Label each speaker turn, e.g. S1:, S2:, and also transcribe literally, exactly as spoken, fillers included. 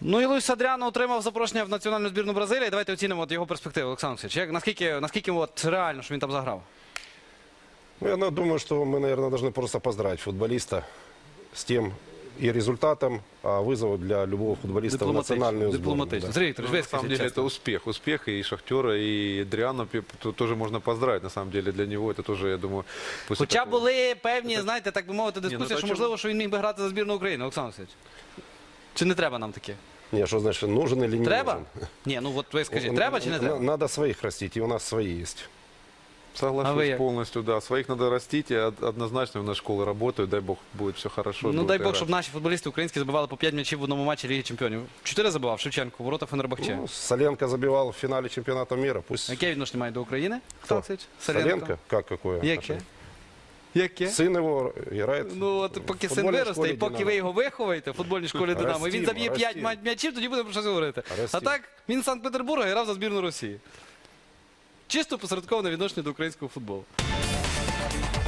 S1: Ну і Луїс Адріано отримав запрошення в національну збірну Бразилії. Давайте оцінимо от його перспективи, Олександр Олексійович. Як, наскільки, наскільки от реально, що він там заграв?
S2: Ну, я ну, думаю, что мы, наверное, должны просто поздравить футболиста с тем и результатом, а вызову для любого футболиста в национальную сборную.
S1: Дипломатично.
S2: Да.
S1: Сергей Викторович,
S3: Ну,
S1: вы
S3: на самом
S1: скажите
S3: деле
S1: честно.
S3: это успех. Успех и Шахтера, и Адриано тут тоже можно поздравить. На самом деле для него это тоже, я думаю... после
S1: Хоча
S3: такого-
S1: були певні, знаєте, так би мовити, дискусії,
S3: так
S1: що
S3: чому?
S1: можливо, що він міг би грати за збірну України, Олександр Олексійович. Чи не треба нам таке?
S2: Не, что значит, нужен или не
S1: Треба?
S2: нужен?
S1: Ні, ну от ви скажіть,
S2: Ну,
S1: треба чи не
S2: на-
S1: треба?
S2: Надо своих растить, и у нас свои есть.
S3: Соглашусь
S1: А вы як?
S3: полностью, да. Своих надо растить, и од- однозначно у нас школы работают, дай бог будет все хорошо.
S1: Ну
S3: будут
S1: дай Бог,
S3: играть.
S1: щоб наші футболісти українські забивали по п'ять м'ячів в одному матчі Ліги Чемпіонів. Чотири забивав Шевченко, ворота Фенербахче.
S2: Ну, Соленко забивал в финале чемпионата мира. Пусть
S1: Яке відношення має до України?
S2: Кто?
S1: Олександр Олексійович?
S2: Соленко, как какое?
S1: Яке?
S2: отношение?
S1: Яке?
S2: Сын его играет.
S1: Ну от
S2: в
S1: поки син
S2: футбольной
S1: виросте,
S2: школе
S1: і поки
S2: «Динамо».
S1: ви його виховуєте в футбольній школі Динамо, і він
S2: Ростімо,
S1: заб'є п'ять
S2: ростімо.
S1: м'ячів, тоді будемо про щось говорити. А
S2: Ростімо.
S1: так, він з Санкт-Петербурга грав за збірну Росії. Чисто посередковане відношення до українського футболу.